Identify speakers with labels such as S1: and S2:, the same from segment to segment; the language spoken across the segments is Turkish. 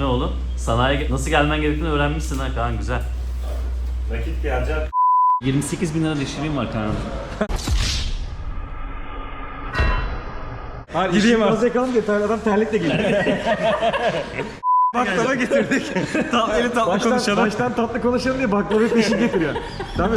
S1: ne oğlum? Sanayiye nasıl gelmen gerektiğini öğrenmişsin ha Kaan, güzel.
S2: Nakit gelecek.
S1: 28 bin lira dişiliğim var Kaan'ım.
S3: Hayır, gideyim artık. Yakalım diye adam terlikle geliyor.
S2: Baklava getirdik. Eli tatlı konuşalım.
S3: Baştan tatlı konuşalım diye baklava peşin getiriyor. Tabii.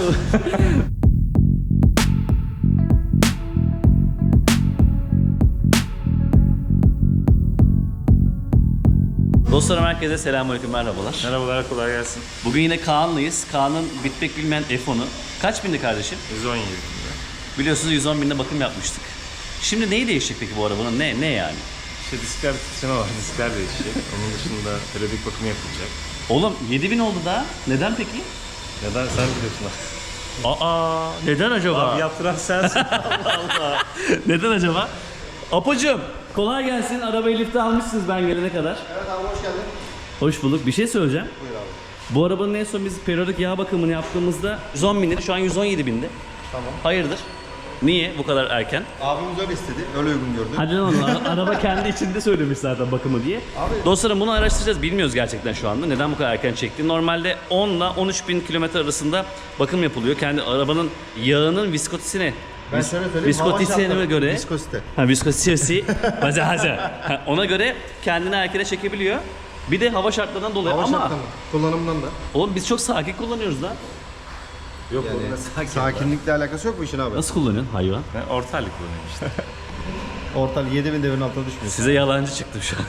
S1: Dostlarım herkese selamünaleyküm, merhabalar.
S2: Merhabalar, kolay gelsin.
S1: Bugün yine Kaan'lıyız. Kaan'ın bitmek bilmeyen F10'u. Kaç bindi kardeşim?
S2: 117.
S1: Biliyorsunuz 110 binde bakım yapmıştık. Şimdi neyi değişecek peki bu arabanın? Ne yani?
S2: İşte diskler titreme var, diskler değişecek. Onun dışında periyodik bakımı yapılacak.
S1: Oğlum 7000 oldu daha. Neden peki?
S2: Neden sen biliyorsun abi.
S1: Aa, neden acaba?
S2: Abi yaptıran sensin.
S1: Allah. Neden acaba? Apocuğum, kolay gelsin. Arabayı lifte almışsınız ben gelene kadar.
S4: Evet abi, hoş geldin.
S1: Hoş bulduk. Bir şey söyleyeceğim.
S4: Buyur abi.
S1: Bu arabanın en son biz periyodik yağ bakımını yaptığımızda 110 bindi. Şu an 117 bindi.
S4: Tamam.
S1: Hayırdır? Niye bu kadar erken?
S4: Abimiz öyle istedi, öyle uygun gördü.
S1: Hadi lan oğlum, araba kendi içinde söylemiş zaten bakımı diye.
S4: Abi-
S1: Dostlarım bunu araştıracağız. Bilmiyoruz gerçekten şu anda. Neden bu kadar erken çekti? Normalde 10 ile 13 bin kilometre arasında bakım yapılıyor. Kendi arabanın yağının viskotisine.
S4: Ben şöyle söyleyeyim.
S1: Viskotisine göre.
S4: Viskosite.
S1: Ha, viskositesi. Ona göre kendini erkene çekebiliyor. Bir de hava şartlarından dolayı
S4: Hava
S1: ama
S4: şartları, kullanımından da.
S1: oğlum biz çok sakin kullanıyoruz lan.
S2: Yok
S4: Yani
S2: onunla sakin.
S4: sakinlikle alakası yok bu işin abi.
S1: Nasıl kullanıyorsun hayvan?
S2: Ben ortalık kullanıyorum işte.
S4: Ortal 7000 devirin altına düşmüyor.
S1: Size yalancı çıktım şu an.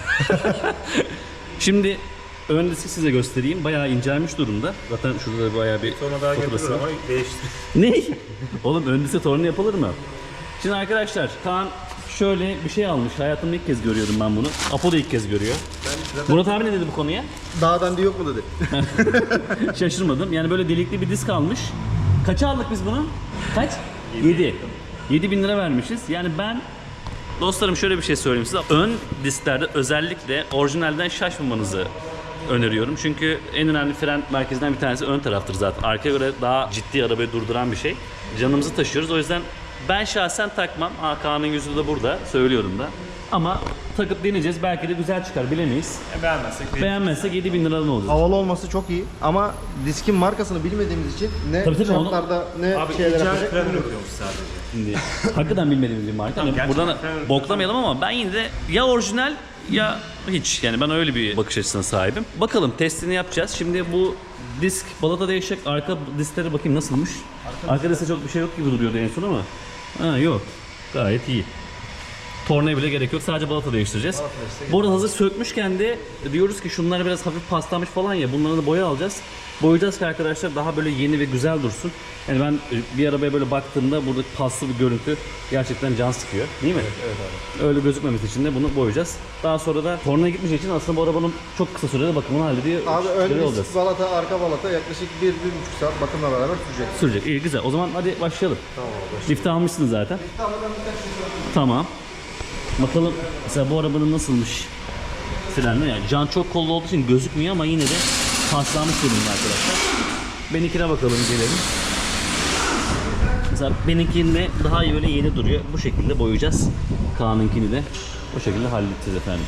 S1: Şimdi ön diski size göstereyim. Bayağı incelmiş durumda. Zaten şurada da bayağı bir
S2: Sonra daha
S1: faturası
S2: getirir
S1: var.
S2: ama değiştir.
S1: Ne? Oğlum ön diske torunu yapılır mı? Şimdi arkadaşlar Kaan şöyle bir şey almış. Hayatımda ilk kez görüyorum ben bunu. Apo da ilk kez görüyor. Murat abi ne dedi bu konuya?
S4: Dağdan diye yok mu dedi.
S1: Şaşırmadım. Yani böyle delikli bir disk almış. Kaça aldık biz bunu? Kaç? 7. 7 bin lira vermişiz. Yani ben dostlarım şöyle bir şey söyleyeyim size. Ön disklerde özellikle orijinalden şaşmamanızı öneriyorum. Çünkü en önemli fren merkezinden bir tanesi ön taraftır zaten. Arkaya göre daha ciddi arabayı durduran bir şey. Canımızı taşıyoruz. O yüzden ben şahsen takmam. Kaan'ın yüzü de burada. Söylüyorum da. Ama takıp deneyeceğiz. Belki de güzel çıkar. Bilemeyiz.
S2: Beğenmezsek değil.
S1: Beğenmezsek 7 bin liradan olacak.
S4: Havalı olması çok iyi ama diskin markasını bilmediğimiz için ne
S1: Tabii tabii, onu-
S4: çaplarda ne
S2: Abi
S4: şeyler
S2: icat
S4: yapacak.
S2: fren üretiyormuş sadece.
S1: Şimdi hakikaten bilmediğimiz bir marka. Hani
S2: gerçekten
S1: buradan
S2: ben-
S1: boklamayalım ama ben yine de ya orijinal ya hiç. Yani ben öyle bir bakış açısına sahibim. Bakalım testini yapacağız. Şimdi bu disk balata değişecek. Arka disklere bakayım nasılmış. Arka diskte çok bir şey yok gibi duruyordu en son ama. Ha yok. Gayet iyi. Tornaya bile gerek yok. Sadece balata değiştireceğiz. Bu arada hazır sökmüşken de diyoruz ki şunlar biraz hafif paslanmış falan ya. Bunları da boya alacağız. Boyayacağız ki arkadaşlar daha böyle yeni ve güzel dursun. Yani ben bir arabaya böyle baktığımda burada paslı bir görüntü gerçekten can sıkıyor. Değil mi? Evet abi. Öyle gözükmemesi için de bunu boyayacağız. Daha sonra da tornaya gitmeyeceği için aslında bu arabanın çok kısa sürede bakımını hallediyor.
S4: Abi ön
S1: Şöyle
S4: disk, balata, arka balata yaklaşık 1-1,5 saat bakımla beraber sürecek.
S1: Sürecek. İyi güzel. O zaman hadi başlayalım.
S4: Tamam abi.
S1: Lifte almışsınız zaten.
S4: Tamam, ben birkaç şey sorayım.
S1: Tamam. Bakalım mesela bu arabanın nasılmış frenleri. Yani can çok kollu olduğu için gözükmüyor ama yine de paslanmış durumda arkadaşlar. Benimkine bakalım gelelim. Mesela benimkinde daha iyi böyle yeni duruyor. Bu şekilde boyayacağız. Kaan'ınkini de bu şekilde halledeceğiz efendim.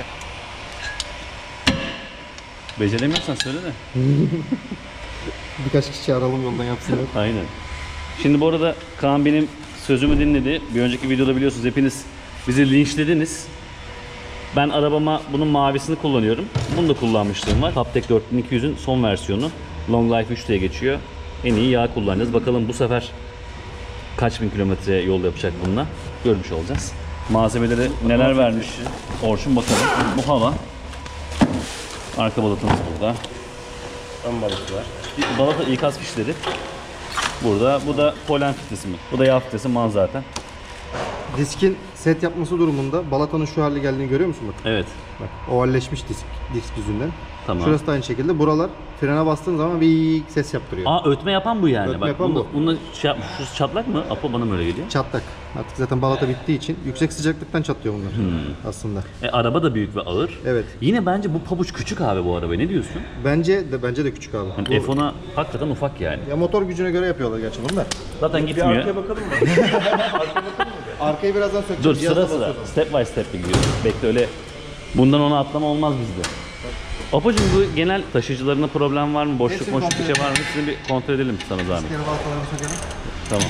S1: Beceremiyorsan söyle de.
S4: Birkaç kişi aralım yoldan yapsınlar.
S1: Aynen. Şimdi bu arada Kaan benim sözümü dinledi. Bir önceki videoda biliyorsunuz hepiniz bizi linçlediniz. Ben arabama bunun mavisini kullanıyorum. Bunu da kullanmışlığım var. Taptek 4200'ün son versiyonu. Long Life 3 diye geçiyor. En iyi yağ kullanacağız. Bakalım bu sefer kaç bin kilometre yol yapacak bununla. Görmüş olacağız. Malzemeleri neler vermiş Orçun bakalım. Bu hava. Arka balatamız burada.
S2: Ön balıklı var.
S1: Balata ikaz fişleri. Burada. Bu da polen filtresi mi? Bu da yağ filtresi man zaten.
S4: Diskin set yapması durumunda balatanın şu hale geldiğini görüyor musun bak?
S1: Evet.
S4: Bak ovalleşmiş disk yüzünden.
S1: Tamam.
S4: Şurası da aynı şekilde. Buralar frene bastığın zaman bir ses yaptırıyor.
S1: Aa ötme yapan bu yani.
S4: Ötme
S1: Bak,
S4: yapan bu.
S1: Bununla şey yapmış. Şu çatlak mı? Apo bana mı öyle geliyor?
S4: Çatlak. Artık zaten balata bittiği için yüksek sıcaklıktan çatlıyor bunlar aslında.
S1: Araba da büyük ve ağır.
S4: Evet.
S1: Yine bence bu pabuç küçük abi bu araba. Ne diyorsun?
S4: Bence de küçük abi.
S1: Yani
S4: Bu-
S1: F10'a hakikaten ufak yani.
S4: Ya motor gücüne göre yapıyorlar gerçi bunu da.
S1: Zaten
S2: Bir
S1: gitmiyor.
S2: arkaya bakalım mı?
S4: Arkayı birazdan sökeceğim.
S1: Dur
S4: cihazla
S1: sıra sıra.
S4: basıyoruz.
S1: Step by step gidiyor. Bekle öyle. Bundan ona atlama olmaz bizde. Apocuğum bu genel taşıyıcılarında problem var mı? Boşluk
S4: Hepsini
S1: boşluk bir
S4: kontrol
S1: şey var mı? Hepsini bir kontrol edelim sana zahmet.
S4: Geri baltalarını sökelim.
S1: Tamam.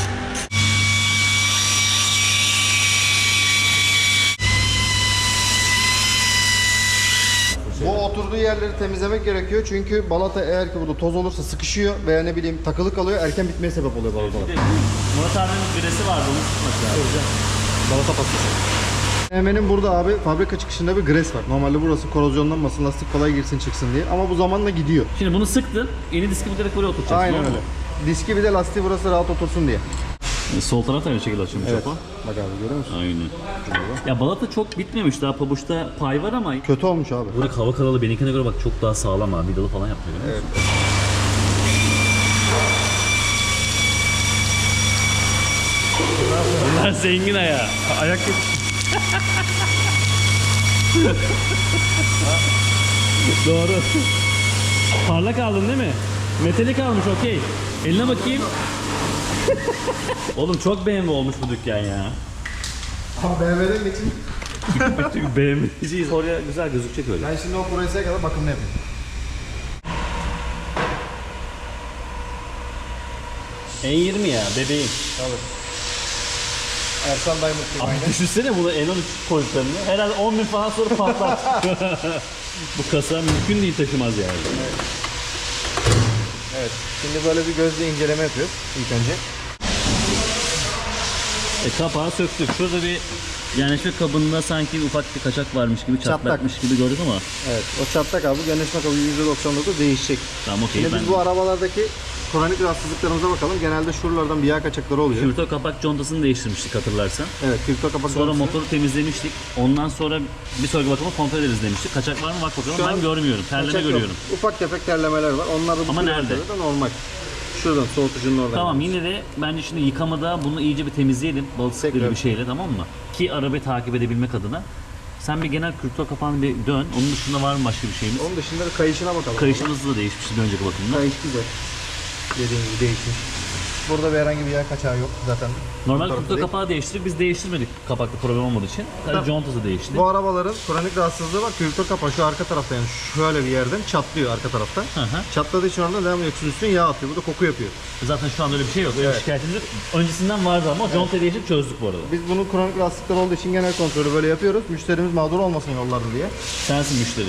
S4: Bu oturduğu yerleri temizlemek gerekiyor çünkü balata eğer ki burada toz olursa sıkışıyor veya ne bileyim takılı kalıyor, erken bitmeye sebep oluyor balatalar.
S1: Murat abinin biresi vardı, onu tutmak lazım.
S4: Balata patlası. BMW'nin burada abi fabrika çıkışında bir gres var. Normalde burası korozyonlanmasın, lastik kolay girsin çıksın diye ama bu zamanla gidiyor.
S1: Şimdi bunu sıktın, yeni diski bu direkt buraya oturacaksın.
S4: Aynen
S1: doğru mu?
S4: öyle. Diski bir de lastiği burası rahat otursun diye.
S1: Sol taraf da aynı şekilde açılmış
S4: Evet.
S1: o.
S4: Bak abi görüyor musun?
S1: Aynen. Ya balata çok bitmemiş, daha pabuçta pay var ama
S4: Kötü olmuş abi.
S1: buradaki hava kanalı benimkine göre bak çok daha sağlam abi, vidalı falan yapıyor. Evet. Bunlar zengin ayağı.
S3: Ayak
S1: Doğru. Parlak aldın değil mi? Metalik almış, okey. Eline bakayım. Oğlum çok BMW olmuş bu dükkan ya.
S4: Ama BMW'den geçin.
S1: Çünkü BMW'ciyiz. Oraya güzel gözükecek öyle.
S4: Ben şimdi o Progresse'ye kadar bakımını yapayım.
S1: N20 ya bebeğim.
S4: Ersan Diamond gibi
S1: Abi
S4: aynen.
S1: düşünsene bunu N13 koyduklarını. Herhalde 10.000 falan sonra patlar. Bu kasa mümkün değil taşımaz yani.
S4: Evet. Şimdi böyle bir gözle inceleme yapıyoruz ilk önce.
S1: Kapağı söktük. Şurada bir yerleşme kabında sanki ufak bir kaçak varmış gibi,
S4: Çatlak.
S1: çatlakmış gibi gördük ama.
S4: Evet. O çatlak abi genleşme kabı %99 değişecek.
S1: Tamam okey.
S4: Şimdi biz bu arabalardaki kronik rahatsızlıklarımıza bakalım. Genelde şuralardan bir yağ kaçakları oluyor.
S1: Kürtö kapak contasını değiştirmiştik hatırlarsan.
S4: Evet, kürtö kapak
S1: Sonra
S4: contasını-
S1: motoru temizlemiştik. Ondan sonra bir sonraki bakıma kontrol ederiz demiştik. Kaçak var mı bak bakalım.
S4: Şu
S1: Ben
S4: an
S1: görmüyorum. Terleme
S4: kaçak yok.
S1: görüyorum.
S4: Ufak tefek terlemeler var. Onlar da bu
S1: Ama
S4: kilometrede
S1: nerede?
S4: de normal. Şuradan soğutucunun oradan.
S1: Tamam yine de bence şimdi yıkamada bunu iyice bir temizleyelim. Balık gibi
S4: Tekrar.
S1: bir şeyle, tamam mı? Ki arabayı takip edebilmek adına. Sen bir genel kürtö kapağını bir dön. Onun dışında var mı başka bir şeyimiz?
S4: Onun dışında da kayışına bakalım.
S1: Kayışımız da değişmişti bir önceki bakımda.
S4: Kayış güzel. Dediğim gibi değişmiş. Burada bir herhangi bir yağ kaçağı yok zaten.
S1: Normal
S4: Bu tarafta
S1: kürtö
S4: değil.
S1: kapağı değiştirdik. Biz değiştirmedik kapakta problem olmadığı için. Sadece contası değişti.
S4: Bu arabaların kronik rahatsızlığı var. Kürtö kapağı şu arka tarafta yani şöyle bir yerden çatlıyor arka tarafta.
S1: Hı.
S4: Çatladığı için oradan devam ediyor. Üstüne yağ atıyor. Bu da koku yapıyor.
S1: Zaten şu an öyle bir şey yok. Öyle
S4: Evet.
S1: bir şikayetimiz yok. Öncesinden vardı ama contayı değiştirip çözdük bu arada.
S4: Biz bunun kronik rahatsızlıklar olduğu için genel kontrolü böyle yapıyoruz. Müşterimiz mağdur olmasın yollarda diye.
S1: Sensin müşteri.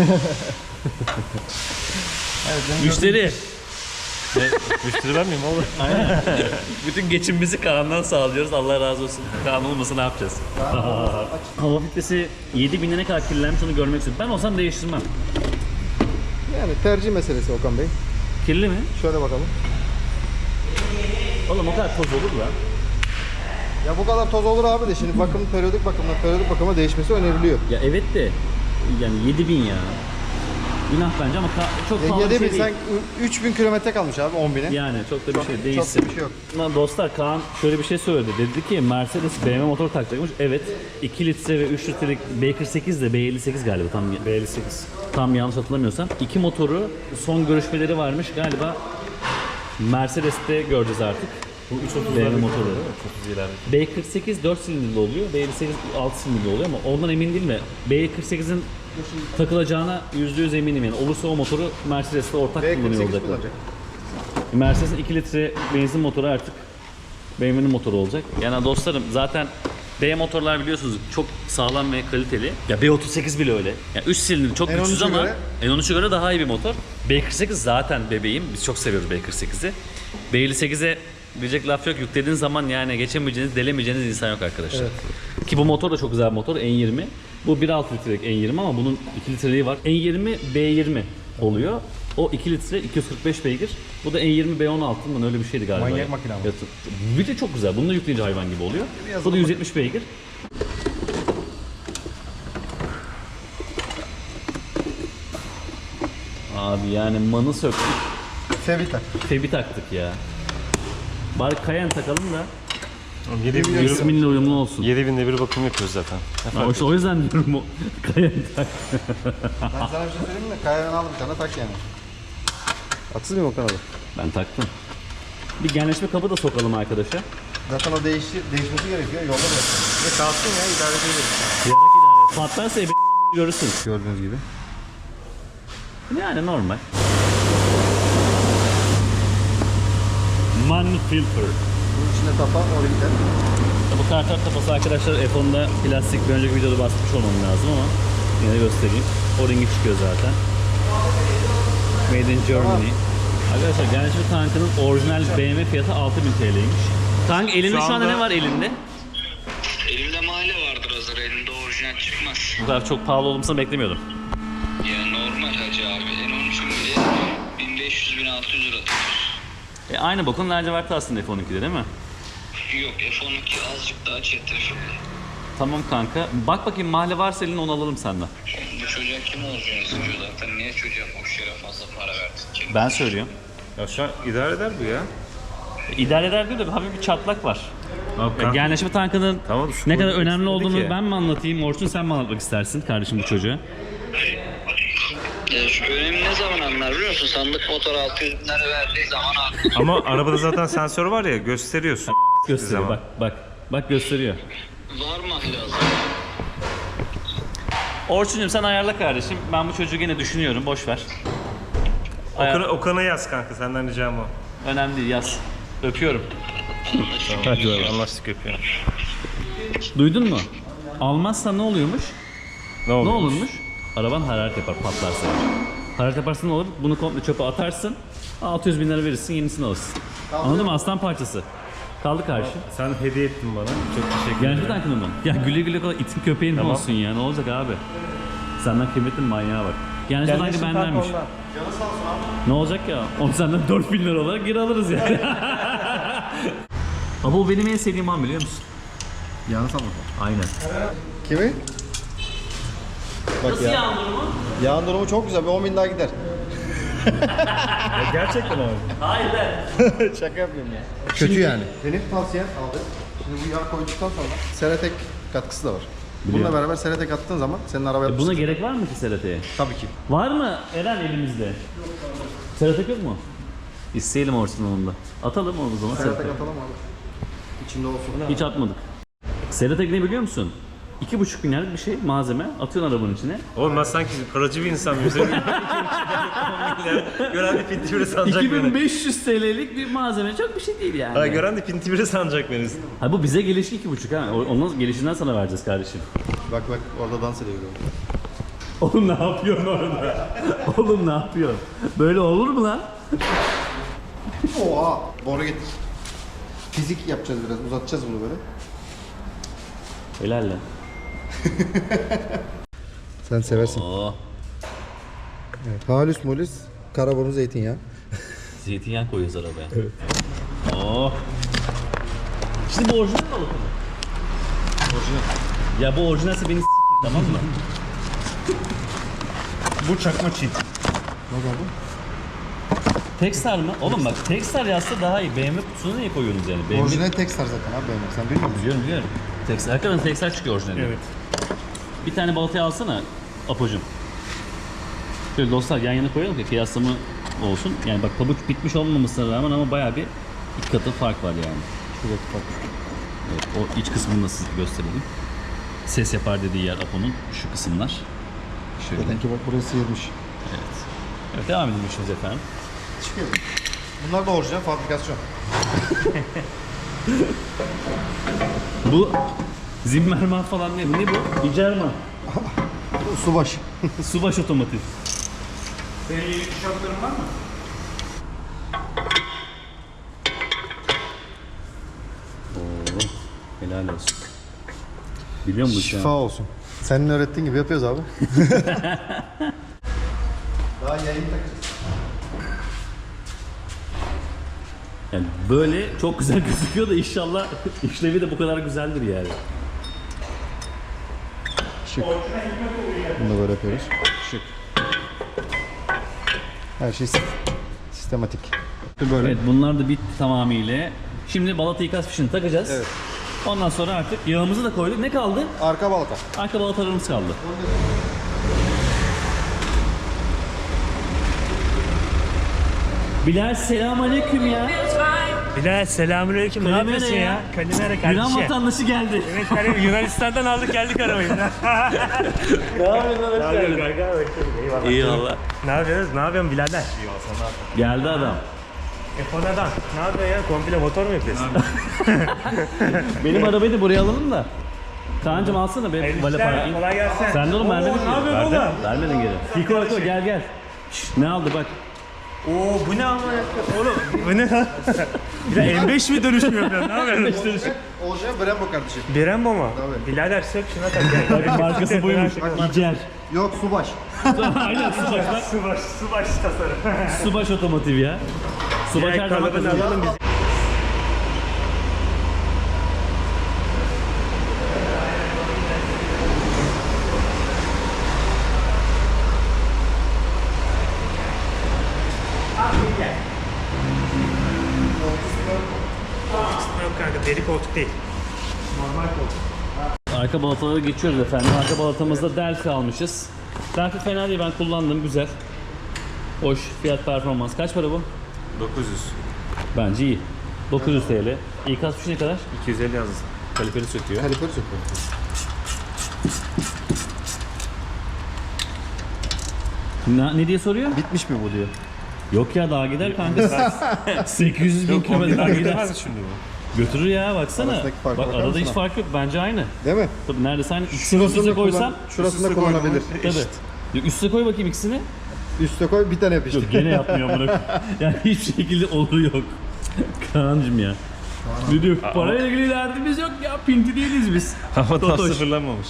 S4: Evet, benim
S1: Müşteri.
S2: Müşteri ben miyim oğlum?
S1: Aynen. Bütün geçimimizi Kaan'dan sağlıyoruz. Allah razı olsun. Kaan olmasa ne yapacağız? Hava filtresi 7000'e ne kadar kirlenmiş onu görmek istiyorum. Ben olsam değiştirmem.
S4: Yani tercih meselesi Okan Bey.
S1: Kirli mi?
S4: Şöyle bakalım.
S1: Oğlum o kadar toz olur lan.
S4: Ya bu kadar toz olur abi de şimdi bakım periyodik bakıma değişmesi öneriliyor.
S1: Ya evet de yani 7000 ya. Günah bence ama çok pahalı bir
S4: 7.000
S1: şey değil.
S4: sen 3.000 kilometre kalmış abi 10.000'e.
S1: Yani çok da bir şey
S4: Çok
S1: değişsin.
S4: da bir şey yok.
S1: Lan dostlar Kaan şöyle bir şey söyledi. Dedi ki Mercedes BMW motor takacakmış. Evet. 2 litre ve 3 litrelik B48 de B58 galiba tam B58. Tam yanlış hatırlamıyorsam. İki motoru son görüşmeleri varmış galiba. Mercedes'te göreceğiz artık. Bu 330 BMW motorları. B48 4 silindirli oluyor. B58 6 silindirli oluyor ama ondan emin değilim de B48'in takılacağına %100 eminim yani. Olursa o motoru Mercedes'te ortak kullanıyor
S4: B48
S1: olacaklar.
S4: kullanacak.
S1: Mercedes'in 2 litre benzin motoru artık BMW'nin motoru olacak. Yani dostlarım zaten B motorlar biliyorsunuz çok sağlam ve kaliteli. Ya B38 bile öyle. Ya 3 silindir çok
S4: N13'e
S1: güçsüz ama
S4: göre-
S1: N13'e göre daha iyi bir motor. B48 zaten bebeğim. Biz çok seviyoruz B48'i. B58'e diyecek laf yok. Yüklediğin zaman yani geçemeyeceğiniz, delemeyeceğiniz insan yok arkadaşlar. Ki bu motor da çok güzel bir motor. N20. Bu 1.6 litrelik N20 ama bunun 2 litreliği var. N20 B20 oluyor. O 2 litre 245 beygir. Bu da N20 B16'dan öyle bir şeydi galiba.
S4: Manyak
S1: ya.
S4: makine ama.
S1: Ya, bir de çok güzel. Bunu da yükleyince hayvan gibi oluyor.
S4: Biraz
S1: Bu da
S4: da
S1: 170 beygir. Abi yani manı söktük.
S4: Fevita.
S1: Febi taktık ya. Bari Cayenne takalım da
S2: 7000'de
S1: isminle uyumlu olsun.
S2: 7000'de bir bakım yapıyoruz zaten.
S1: Ha, işte o yüzden diyorum o Cayenne tak.
S4: Ben sana bir şey söyleyeyim mi? Kayadan al bir tane tak yani. Haksız mıyım Okan abi?
S1: Ben taktım. Bir genleşme kabı da sokalım arkadaşa.
S4: Zaten o değişmesi gerekiyor. Yolda da.
S2: Ne kalsın ya idare edebiliriz.
S1: Yarak idare et. Patlarsa benim görürsün.
S4: Gördüğünüz gibi.
S1: Yani normal. Man filter.
S4: Bunun içinde tapa orijinal.
S1: Bu kartal tapası arkadaşlar F10'da plastik, bir önceki videoda bahsetmiş olmam lazım ama yine göstereyim. O-ringi çıkıyor zaten. Made in Germany. Arkadaşlar genç bir tankının orijinal BMW fiyatı 6000 TL'ymiş. Tank elinde şu anda ne var elinde?
S5: Elimde mahalle vardır hazır. Elinde orijinal çıkmaz.
S1: Bu kadar çok pahalı olmasını beklemiyordum.
S5: Ya normal hacı abi. En 13'ün bile 1500-1600 lira tutuyor.
S1: Aynı bokun laciverti aslında F12'de değil mi?
S5: Yok F12 azıcık daha çetrefilli.
S1: Tamam kanka. Bak bakayım mahalle varsa elini onu alalım senden.
S5: Bu çocuğa kim olacağını istiyor zaten. Niye çocuğa boş yere fazla para verdin?
S1: Ben söylüyorum.
S2: Ya şu an idare eder bu ya.
S1: İdare eder diyor da hafif bir çatlak var.
S2: Abi,
S1: Genleşme tankının
S2: Tamam,
S1: ne kadar
S2: spoiler
S1: önemli
S2: istedik
S1: olduğunu
S2: ya.
S1: ben mi anlatayım? Orçun sen mi anlatmak istersin kardeşim bu çocuğa?
S5: Ya şu önemi ne zaman anlar biliyor musun? Sandık motor 600 bin lira verdiği zaman anlar.
S2: Ama arabada zaten sensör var ya, gösteriyorsun.
S1: Gösteriyor
S2: Zaman.
S1: bak gösteriyor.
S5: Var mahalle hazır.
S1: Orçun'cum sen ayarla kardeşim. Ben bu çocuğu gene düşünüyorum. Boş ver.
S2: Okan'a yaz kanka, senden ricam o.
S1: Önemli değil, yaz. Öpüyorum.
S2: Hadi anlaştık, öpüyorum.
S1: Duydun mu? Almazsan ne oluyormuş?
S2: Ne
S1: Ne
S2: oldu?
S1: olurmuş? Araban hararet yapar, patlarsa. Hararet yaparsa ne olur? Bunu komple çöpe atarsın. 600 bin lira verirsin, yenisini alırsın. Anladın mı? Aslan parçası. Kaldı karşı.
S2: Sen hediye ettin bana. Çok teşekkür
S1: Genç
S2: ederim.
S1: bir tankını mı? Ya güle güle kadar itin köpeğin
S2: Tamam.
S1: olsun ya. Ne olacak abi? Senden kıymetli manyağa bak. Genç bir tankı bendenmiş. Ne olacak ya? Onu senden 4 bin lira olarak geri alırız yani. Ama o benim en sevdiğim an biliyor musun?
S4: Yalnız ama.
S1: Aynen.
S4: Kimi? Bak
S1: Nasıl
S4: ya.
S1: yağın durumu?
S4: Yağın durumu çok güzel. Bir 10 bin daha gider.
S2: Gerçekten abi.
S1: Hayır be.
S4: Şaka yapıyorum ya. Kötü yani. Benim tavsiyem abi. Şimdi bu yağ koyduktan sonra Seratek katkısı da var. Bununla beraber Seratek attığın zaman senin araba
S1: Buna
S4: yapmışsın.
S1: gerek var mı ki Serate'ye?
S4: Tabii ki.
S1: Var mı Eren elimizde? Seratek yok mu? İsteyelim Orçun'un onu da. Atalım onu o zaman.
S4: Seratek
S1: Seratek.
S4: atalım abi. İçinde olsun.
S1: Hiç atmadık. Seratek ne biliyor musun? 2,5 milyarlık bir şey malzeme atıyorsun arabanın içine.
S2: Oğlum ben sanki paracı bir insan mıyım? Gören de pinti biri sanacak beni.
S1: 2500 TL'lik bir malzeme çok bir şey değil yani.
S2: Ha, gören de pinti biri sanacak beni.
S1: Ha bu bize gelişi 2,5 ha. Onun gelişinden sana vereceğiz kardeşim.
S4: Bak orada dans ediyor.
S1: Oğlum ne yapıyorsun orada? Oğlum ne yapıyorsun? Böyle olur mu lan?
S4: Oha! Boru getir. Fizik yapacağız biraz. Uzatacağız bunu böyle.
S1: Helal lan.
S4: Sen seversin.
S1: Oo.
S4: Evet. Halüs molüs, karaburun zeytinyağı.
S1: Zeytinyağı koyuyoruz arabaya. Evet. Oo. Şimdi bu orijinal balık mı? Orijinal. Ya bu orijinalse beni tamam mı?
S2: Bu çakma çiğ.
S4: Ne oldu?
S1: Texar mı? Oğlum bak Texar yazsa daha iyi. BMW kutusuna niye koyuyorsunuz yani? BMW...
S4: Orijinal Texar zaten abi benim. Sen bilmiyor musun?
S1: Biliyorum. Texar. Hakikaten Texar çıkıyor orijinalde.
S2: Evet.
S1: Bir tane balatayı alsana Apo'cum. Şöyle dostlar yan yana koyalım ki kıyaslama olsun. Yani bak pabuç bitmiş olmamasına rağmen ama bayağı bir iki katı fark var yani.
S4: Şurada bak.
S1: Evet, o iç kısmını da size gösterelim. Ses yapar dediği yer Apo'nun şu kısımlar. Şöyle.
S4: Dedim ki bak burası sıyırmış.
S1: Evet devam edelim işimiz efendim.
S4: Çıkıyor. Bunlar da orijinal fabrikasyon.
S1: Bu Zimmerman falan ne? Ne bu? İcerman.
S4: Subaş.
S1: Subaş otomotiv.
S2: Senin yeni tişörtlerin var mı?
S1: Oo, helal olsun. Biliyor musun bu işi?
S4: Şifa olsun. Senin öğrettiğin gibi yapıyoruz abi. Daha yayın takacağız.
S1: Yani böyle çok güzel gözüküyor da inşallah işlevi de bu kadar güzeldir yani.
S4: Şık. Bunu da böyle yapıyoruz. Şık. Her şey sistematik. Böyle.
S1: Evet bunlar da bitti tamamıyla. Şimdi balata ikaz fişini takacağız.
S4: Evet.
S1: Ondan sonra artık yağımızı da koyduk. Ne kaldı?
S4: Arka balata.
S1: Arka balatalarımız kaldı. Bilal selamünaleyküm ya.
S6: Bilal selamünaleyküm. Ne
S1: Kalimera
S6: yapıyorsun
S1: ya.
S6: ya? Kalimera
S1: Yunan
S6: kardeşim.
S1: vatandaşı geldi.
S6: Evet kardeşim Yunanistan'dan aldık geldik arabayı.
S1: Ne yapıyorsun? Hoş geldin.
S6: Eyvallah.
S1: Eyvallah.
S6: Ne yapıyorsunuz? Ne yapıyorsun birader?
S1: Geldi adam.
S6: F10 adam. Ne yapıyorsun ya? Komple motor mu yapıyorsun?
S1: Benim arabayı da buraya alalım da. Kaan'cım alsana be
S6: Hayırlı
S1: vale
S6: işler,
S1: parkı.
S6: kolay gelsin.
S1: Sen de oğlum vermedin
S6: Oo,
S1: ki.
S6: ne yapıyorsun
S1: Verdin.
S6: oğlum?
S1: Vermedin geri. Fiko gel gel. Şşş, ne aldı bak.
S6: Oo bu ne ama oğlum bu ne lan? Bir de M5 mi dönüş mü yapıyorsun? Ne yapıyorsun?
S4: Orijinal Brembo kardeşim.
S6: Brembo mu?
S4: Tabii.
S6: Birader sök şuna tak ya.
S1: Markası buymuş. İcer.
S4: Yok Subaş.
S1: Aynen Subaş bak.
S6: Subaş tasarım.
S1: Subaş otomotiv ya. Subaş her zaman
S6: Kalıbını
S1: kazanıyor.
S6: alalım biz. Yok kanka deri koltuk değil. Normal koltuk.
S1: Arka balataları geçiyoruz efendim. Arka balatamızda Delphi almışız. Delphi fena değil, ben kullandım, güzel. Hoş, fiyat performans. Kaç para bu?
S2: 900.
S1: Bence iyi. 900 TL. İkaz fişi ne kadar?
S2: 250 yazdı. Kaliperi söküyor.
S4: Kaliperi söküyor.
S1: Ne diye soruyor?
S4: Bitmiş mi bu diyor.
S1: Yok ya, daha gider kanka. 800 bin kilometre daha gider.
S2: Şimdi bu.
S1: Götürür ya, baksana.
S4: Arasındaki farka
S1: Bak
S4: bakar
S1: arada
S4: mısın
S1: hiç
S4: abi?
S1: fark yok. Bence aynı.
S4: Değil mi?
S1: Tabii neredeyse aynı. İkisini üste koysam.
S4: Şurasında kullanabilir.
S1: Tabii. Yok, üste koy bakayım ikisini.
S4: Üste koy bir tane yap işte.
S1: Yok gene yapmıyor bunu. Yani hiçbir şekilde olur yok. Kaan'cım ya. Ne diyor? Parayla ilgili derdimiz yok ya. Pinti değiliz biz.
S2: Ama tam
S1: Totoş.
S2: sıfırlanmamış.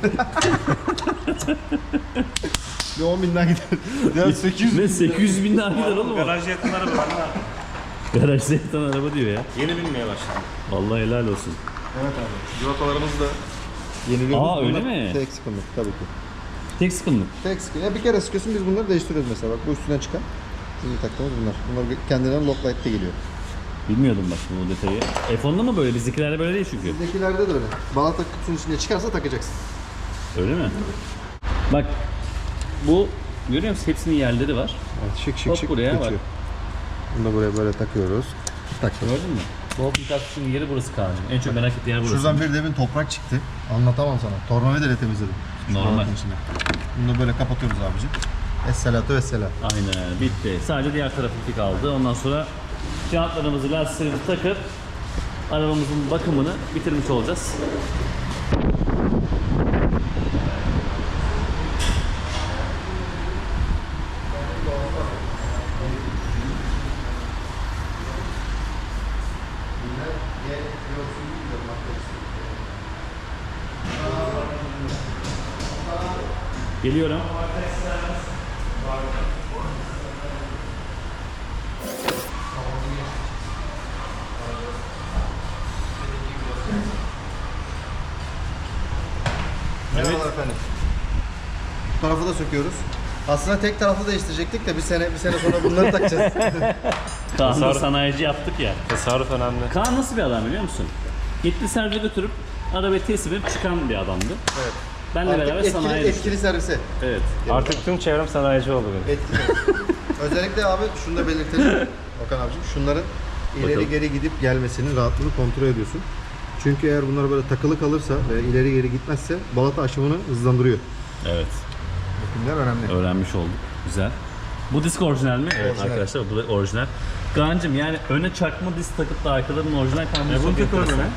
S4: Bir 10 binden gider. Ya 800
S1: Ne 800 bin daha gider oğlum o.
S2: Garaj yatan araba.
S1: Garajda yatan araba diyor ya.
S2: Yeni binmeye başladı.
S1: Vallahi helal olsun.
S4: Evet abi.
S2: Civatalarımız da
S4: Yeniliyoruz.
S1: Aa, öyle
S4: Bunlar
S1: mi?
S4: Tek sıkıntı tabii ki.
S1: Tek sıkıntı.
S4: Tek sıkıntı. Ya bir kere sıkıyorsun, biz bunları değiştiriyoruz mesela. Bak bu üstüne çıkan. Şimdi taktığımız bunlar. Bunlar kendilerine lock light'te geliyor.
S1: Bilmiyordum bak bu detayı. F10'da mı böyle? Bizdekilerde böyle değil çünkü.
S4: Bizdekilerde de öyle. Balata kutusunun içinde çıkarsa takacaksın.
S1: Öyle mi? Bak bu görüyor musun? Hepsinin yerleri var.
S4: Evet, şık
S1: Hop, buraya bak.
S4: geçiyor. Bunu da buraya böyle takıyoruz. Taktık.
S1: Gördün mü? Bolt Mutasyon'un yeri burası Kaan'cığım. En çok merak ettiği yer burası.
S4: Şuradan bir demin toprak çıktı. Anlatamam sana. Tornavidayla temizledim. Şu
S1: Normal.
S4: balatın içine. Bunu da böyle kapatıyoruz abicim. Esselatu vesselam.
S1: Aynen bitti. Sadece diğer tarafı kaldı. Ondan sonra jantlarımızı, lastiklerimizi takıp arabamızın bakımını bitirmiş olacağız. Geliyorum.
S4: Merhabalar efendim. Bu tarafı da söküyoruz. Aslında tek taraflı değiştirecektik de bir sene sonra bunları takacağız.
S1: Kaan'da sanayici yaptık ya.
S2: tasarruf önemli.
S1: Kaan nasıl bir adam biliyor musun? Gitti servise götürüp arabayı teslim edip çıkan bir adamdı.
S4: Evet.
S1: Benle
S4: Artık
S1: beraber sanayiye düştü.
S4: etkili servise.
S1: Evet.
S2: Artık tüm çevrem sanayici oldu benim.
S4: Etkili. Özellikle abi şunu da belirtelim. Okan abicim, şunların ileri
S1: Bakalım.
S4: geri gidip gelmesinin rahatlığını kontrol ediyorsun. Çünkü eğer bunlar böyle takılı kalırsa ve ileri geri gitmezse balata aşımını hızlandırıyor.
S1: Evet.
S4: Bunlar önemli.
S1: Öğrenmiş olduk. Güzel. Bu disk orijinal mi? Evet
S4: Orijinal.
S1: arkadaşlar bu da orijinal. Kaan'cım yani öne çakma disk takıp da arkaların orijinal kalması
S6: bunu
S1: çok
S6: tek
S1: enteresan.
S6: önüne.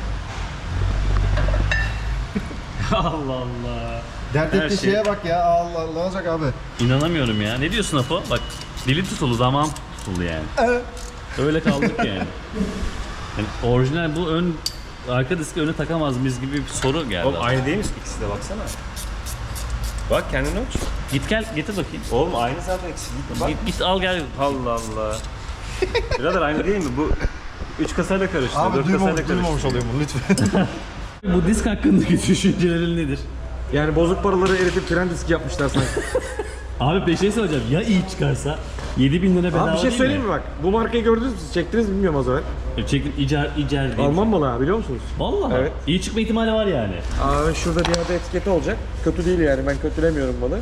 S6: Allah Allah.
S4: Dert
S1: Her
S4: ettiği
S1: şey-
S4: şeye bak ya. Allah Allah, ne olacak abi?
S1: İnanamıyorum ya. Ne diyorsun Apo? Bak dili tutuldu, damağım tutuldu yani. Öyle kaldık yani. Yani orijinal bu ön arka diski öne takamaz mıyız gibi bir soru geldi.
S2: Oğlum aynı değil mi ikisi de baksana. Bak kendini ölç.
S1: Git gel getir bakayım.
S2: Oğlum aynı zaten ikisi. Bak.
S1: Git al gel.
S2: Allah Allah. Birader aynı değil mi? Bu 3 kasayla karıştı.
S4: Abi
S2: 4 kasayla karıştı.
S4: duymamış oluyor bunu lütfen.
S1: Bu disk hakkındaki düşüncelerin nedir?
S3: Yani bozuk paraları eritip tren diski yapmışlar sanki.
S1: Abi bir şey söyleyeceğim. Ya iyi çıkarsa 7.000 lira bedava
S3: Abi bir şey
S1: değil
S3: söyleyeyim mi bak? Bu markayı gördünüz mü? Siz çektiniz mi bilmiyorum az evvel.
S1: Çekin icar değil.
S3: Alman malı ha, biliyor musunuz?
S1: Vallahi.
S3: Evet.
S1: İyi çıkma ihtimali var yani.
S3: Abi şurada bir yerde etiketi olacak. Kötü değil yani, ben kötülemiyorum malı.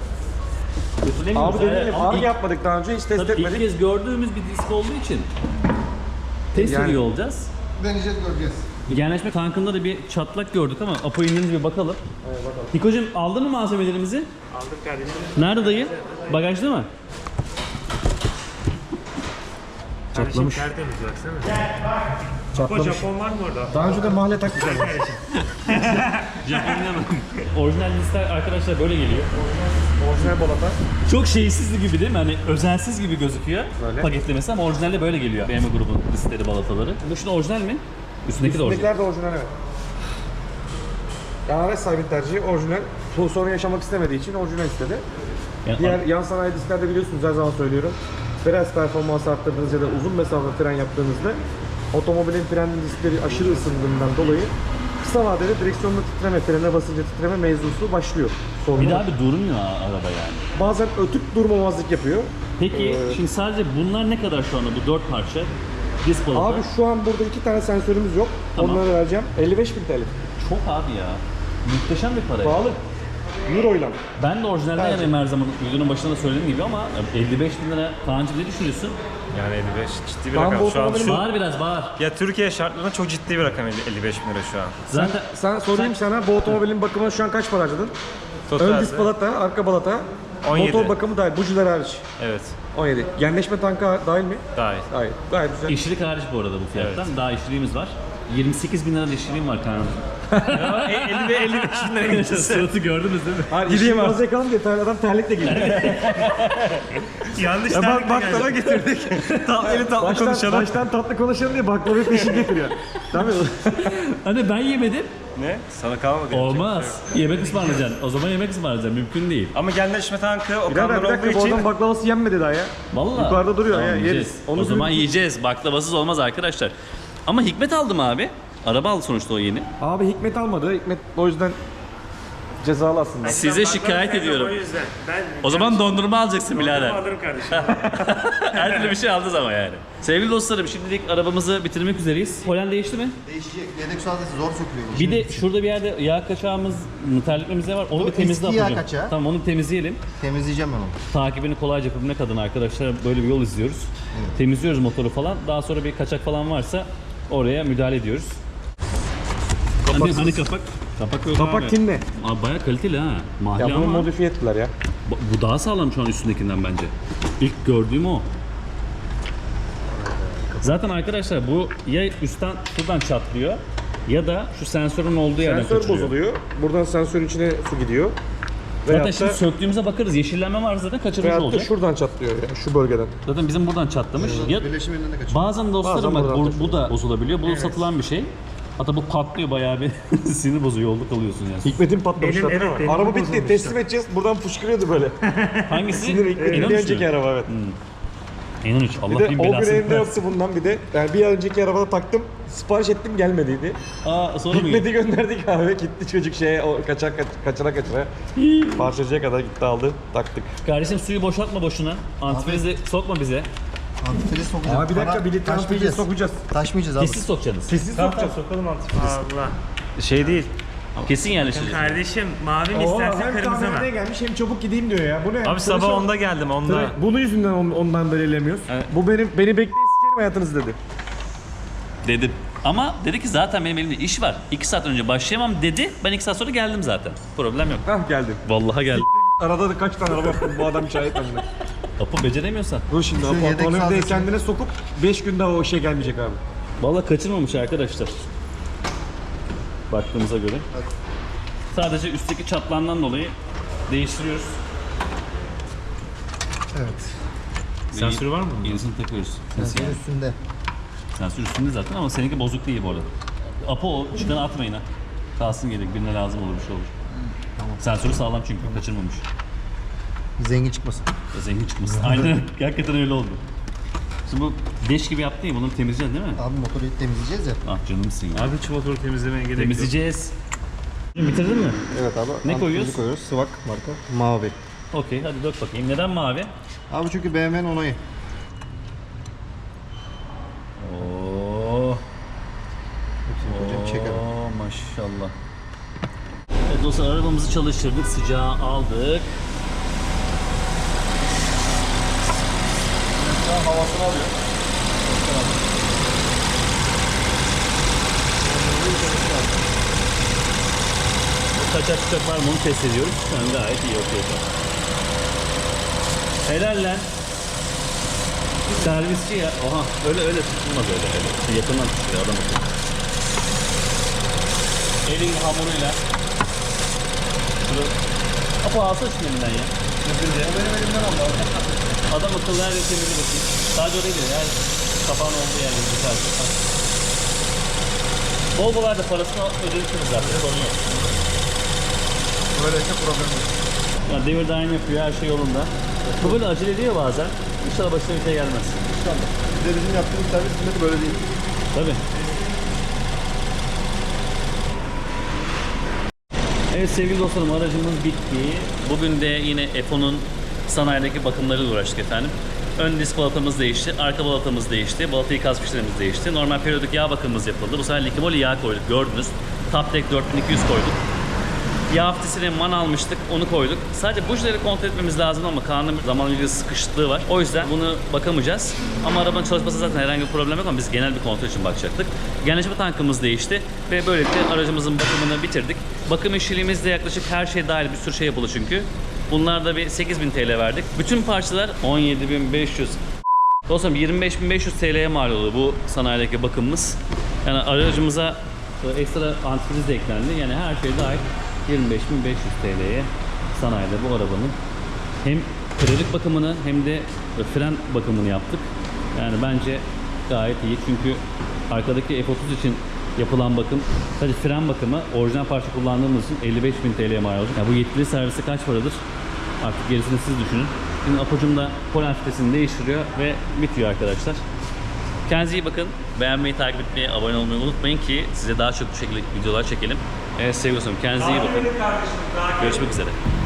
S1: Kötülemiyoruz.
S3: Abi deneyelim.
S1: Ama
S3: Fark
S1: ilk-
S3: yapmadık daha önce, hiç test
S1: Tabii ilk
S3: etmedik.
S1: kez gördüğümüz bir disk olduğu için Test
S3: Yani-
S1: ediyor olacağız.
S4: Deneyeceğiz, göreceğiz.
S1: Genleşme tankında da bir çatlak gördük ama Apo indiğimiz bir bakalım. Evet bakalım. Hiko'cum aldın mı malzemelerimizi?
S6: Aldık kardeşim.
S1: Nerede dayı? Bagajda mı?
S6: Kardeşim tertemiz baksana. O Japon var mı orada?
S3: Daha önce de mahalle taktık.
S1: Japonya mı? Orijinal listeler arkadaşlar böyle geliyor.
S3: Orijinal balata.
S1: Çok şeysiz gibi değil mi? Hani özensiz gibi gözüküyor paketlemesi ama orijinalde böyle geliyor. BMW grubun listeleri, balataları. Bu şimdi orijinal mi? Üstündeki de orijinal.
S3: Üstündekiler de orijinal evet. Yani araç sahibinin tercihi orijinal. Bu sorun yaşamak istemediği için orijinal istedi.
S1: Yani
S3: Diğer yan sanayi disklerde biliyorsunuz her zaman söylüyorum. Fren performansı arttırdığınız ya da uzun mesafe fren yaptığınızda otomobilin fren diskleri aşırı ısındığından dolayı kısa vadede direksiyonda titreme, frene basınca titreme mevzusu başlıyor. Sorun
S1: bir
S3: var.
S1: daha bir durmuyor araba yani.
S3: Bazen ötüp durmamazlık yapıyor.
S1: Peki şimdi sadece bunlar ne kadar şu anda bu 4 parça? Disk balata.
S3: Abi şu an burada 2 tane sensörümüz yok.
S1: Tamam.
S3: Onları vereceğim. 55.000 TL.
S1: Çok abi ya. Muhteşem bir para.
S3: Pahalı. Euro'yla.
S1: Ben de orijinalde yanayım her zaman videonun başında da söylediğim gibi ama 55.000 lira Kaan'cığım ne düşünüyorsun?
S2: Yani 55 ciddi bir
S3: Ben
S2: rakam.
S3: bu
S2: Şu an
S3: otomobilin-
S2: şu
S1: Bağır biraz bağır.
S2: ya Türkiye şartlarında çok ciddi bir rakam 55 bin lira şu an.
S1: Zaten
S3: Sen sorayım sana bu otomobilin bakımına şu an kaç para harcadın? Ön
S2: Totalde
S3: disk balata, arka balata,
S2: 17.
S3: motor bakımı dahil, bujiler hariç.
S2: Evet.
S3: 17. Genleşme tankı dahil mi?
S2: Dahil.
S3: Dahil. Gayet güzel.
S1: işçilik hariç bu arada bu fiyattan. Daha işçiliğimiz var. 28.000 lira da işçiliğim var Kaan'cığım.
S2: 55 bin lira
S1: Suratı gördünüz değil mi?
S3: Hayır, gideyim az yakalım diye adam terlikle geliyor.
S6: Yanlış
S3: bak
S6: terlikle
S3: baklava
S6: geldi.
S3: getirdik. Baştan tatlı konuşalım diye baklava peşin getiriyor. Tabii.
S1: Hani ben yemedim.
S2: Ne? Sana kalmadı.
S1: Olmaz. Yemek ısmarlayacaksın. O zaman yemek ısmarlayacaksın. Mümkün değil.
S2: Ama genleşme tankı o
S3: Birader
S2: kanlar
S3: bir
S2: olduğu
S3: dakika bu
S2: için
S3: adam baklavası yenmedi daha ya.
S1: Vallahi.
S3: Yukarıda duruyor
S1: Tamam,
S3: ya,
S1: yiyeceğiz.
S3: yeriz. Onu
S1: O zaman
S3: söyleyeyim.
S1: yiyeceğiz. Baklavasız olmaz arkadaşlar. Ama Hikmet aldı mı abi? Araba aldı sonuçta o yeni.
S3: Abi Hikmet almadı. Hikmet o yüzden cezalı aslında.
S1: Size
S6: Ben
S1: şikayet
S6: bakmam
S1: ediyorum.
S6: O yüzden. Ben
S1: O zaman dondurma alacaksın birader.
S6: alırım kardeşim.
S1: Her türlü bir şey aldınız ama yani. Sevgili dostlarım şimdilik arabamızı bitirmek üzereyiz. Polen değişti mi?
S4: Değişecek. Yedek sadece zor sökülüyor.
S1: Bir de şurada bir yerde yağ kaçağımız, terlikmemiz de var. Onu
S4: O
S1: bir temizle
S4: eski yağ
S1: yapacağım.
S4: kaçağı.
S1: Tamam onu temizleyelim.
S4: Temizleyeceğim ben onu.
S1: Takibini kolayca yapabilmek adına arkadaşlar böyle bir yol izliyoruz. Temizliyoruz motoru falan. Daha sonra bir kaçak falan varsa oraya müdahale ediyoruz. Hani kapak? Kapak yok
S3: Kapak
S1: abi.
S3: tinle.
S1: Abi bayağı kaliteli ha. Mahalle
S3: Ya bunu
S1: ama
S3: modifiye ettiler ya.
S1: bu daha sağlam şu an üstündekinden bence. İlk gördüğüm o. Zaten arkadaşlar bu ya üstten şuradan çatlıyor ya da şu sensörün olduğu yerden
S3: Sensör
S1: kaçırıyor.
S3: bozuluyor. Buradan sensörün içine su gidiyor.
S1: Zaten
S3: Veyahut
S1: şimdi
S3: da,
S1: söktüğümüzde bakarız. Yeşillenme var zaten kaçırmış
S3: veyahut da
S1: olacak.
S3: şuradan çatlıyor ya, şu bölgeden.
S1: Zaten bizim buradan çatlamış. Ya,
S4: Birleşim elinden de kaçıyor.
S1: bazen dostlarım
S3: Bazen
S1: bak
S3: buradan
S1: bu da bozulabiliyor. Bu satılan bir şey. Hatta bu patlıyor bayağı bir sinir bozuyor. Yolda kalıyorsun yani.
S3: Hikmet'in patlamışlar.
S6: Benim- evet, benim
S3: Araba bitti,
S6: bozulmuştu.
S3: teslim edeceğiz. Buradan fışkırıyordu böyle.
S1: Hangisi?
S3: Sinir Hikmet'in bir
S1: İnanın
S3: önceki araba evet.
S1: İnan 3. Allah
S3: Bir de
S1: bin
S3: o gün
S1: belasını
S3: elimde
S1: versin.
S3: yoktu bundan bir de. Yani bir önceki arabada taktım. Sipariş ettim gelmediydi.
S1: Aa sonra mı
S3: Hikmet'i
S1: gitti?
S3: gönderdik abi. Gitti çocuk şeye o kaçıra. Parçacıya kadar gitti aldı. Taktık.
S1: Kardeşim suyu boşaltma boşuna. Antifrizi sokma bize.
S4: Antifriz sokacağız.
S3: Abi bir dakika bir litre antifriz sokacağız.
S4: Taşmayacağız abi.
S1: Kesin sokacaksınız.
S3: Kesin
S6: Tamam
S3: sokacağız.
S6: sokalım antifriz. Allah.
S2: Şey değil.
S1: Kesin yerleştireceğiz.
S6: Kardeşim mavi mi
S3: Oo,
S6: istersen
S3: hem
S6: kırmızı mı?
S3: tamirhaneye gelmiş hem çabuk gideyim diyor ya. Bu ne?
S2: Abi sabah 10'da geldim 10'da.
S3: Bunun yüzünden ondan belirlemiyoruz. Bu beni bekleyin sikerim hayatınızı dedi.
S1: Dedim. Ama dedi ki zaten benim elimde iş var. 2 saat önce başlayamam dedi. Ben 2 saat sonra geldim zaten. Problem yok.
S3: Hah geldim.
S1: Vallahi geldim.
S3: Arada da kaç tane araba yaptım bu adam şahit bende.
S1: Kapı beceremiyorsan.
S3: Dur şimdi
S4: Şu
S3: o
S4: yedek
S3: pantolonu bir de
S4: sağlasın.
S3: kendine sokup 5 gün daha o işe gelmeyecek abi.
S1: Vallahi kaçırmamış arkadaşlar. Baktığımıza göre. Sadece üstteki çatlandan dolayı değiştiriyoruz.
S4: Evet.
S6: Sensörü var mı bunun?
S1: Yenisini takıyoruz. Nasıl yani?
S4: Üstünde.
S1: Sensör üstünde zaten ama seninki bozuk değil bu arada. Apo o çıkanı atmayın ha. Kalsın gerek. Birine lazım olur bir şey olur.
S4: Tamam.
S1: Sensörü sağlam çünkü kaçırmamış.
S4: Zengin çıkmasın.
S1: Zengin çıkmasın. Aynen. Hakikaten öyle oldu. Şimdi bu leş gibi yaptın ya bunları temizleyeceğiz değil mi?
S4: Abi motoru temizleyeceğiz ya.
S1: Ah canımsın ya.
S6: Abi hiç motoru temizlemeye gerek yok.
S1: Temizleyeceğiz. Bitirdin mi?
S4: Evet abi.
S1: Ne koyuyoruz?
S4: koyuyoruz. Sıvak marka. Mavi.
S1: Okey hadi dök bakayım. Neden mavi?
S4: Abi çünkü BMW'nin onayı.
S1: Oo.
S4: Hocam çekelim.
S1: Oo maşallah. Evet dostlar arabamızı çalıştırdık. Sıcağı aldık.
S3: Havasını alıyor.
S1: Kaçak çıkak var mı onu test ediyoruz. Şu an gayet iyi okey. Helal lan. Servisçi ya. Oha öyle tutulmaz öyle. Yakından tutuyor adam akıllı. Elin hamuruyla. Şunu. Apa alsana şunu elinden ya.
S4: Benim elimden aldı abi.
S1: Adam akıllı her yeri temizle bakayım. Sadece oraya gidiyor. Her kapağın olduğu yerleri güzel. Bol bol da parasını ödemişsiniz zaten. Sorun yok.
S4: Böyleyse problem yok.
S1: Yani devir daim yapıyor, her şey yolunda. Bu böyle acele ediyor bazen. İnşallah başına bir şey gelmez.
S4: İnşallah. Bir de bizim yaptığımız servis hizmeti böyle değil.
S1: Tabii. Evet sevgili dostlarım, aracımız bitti. Bugün de yine F10'un sanayideki bakımlarıyla uğraştık efendim. Ön disk balatamız değişti, arka balatamız değişti, balata ikaz fişlerimiz değişti. Normal periyodik yağ bakımımız yapıldı. Bu sefer Likimoli yağ koyduk, gördünüz. Taptek 4200 koyduk. Yağ hafiftisine man almıştık, onu koyduk. Sadece bujileri kontrol etmemiz lazım ama kanun zaman ilgili sıkışıklığı var. O yüzden bunu bakamayacağız. Ama arabanın çalışması zaten herhangi bir problem yok ama biz genel bir kontrol için bakacaktık. Genleşme tankımız değişti ve böylelikle aracımızın bakımını bitirdik. Bakım işçiliğimizde yaklaşık her şey dahil bir sürü şey yapıldı çünkü. Bunlarda bir 8000 TL verdik. Bütün parçalar 17.500. Dostum 25.500 TL'ye mal oldu bu sanayideki bakımımız. Yani aracımıza ekstra antifriz de eklendi. Yani her şey dahil 25.500 TL'ye sanayide bu arabanın hem hidrolik bakımını hem de fren bakımını yaptık. Yani bence gayet iyi çünkü arkadaki F30 için yapılan bakım, sadece fren bakımı orijinal parça kullandığımız için 55.000 TL'ye mal olacak. Yani bu yetkili servisi kaç paradır? Artık gerisini siz düşünün. Şimdi Apo'cum da polen filtresini değiştiriyor ve bitiyor arkadaşlar. Kendinize iyi bakın. Beğenmeyi, takip etmeyi, abone olmayı unutmayın ki size daha çok bu şekilde videolar çekelim. Evet sevgili dostum, kendinize iyi bakın. Görüşmek üzere.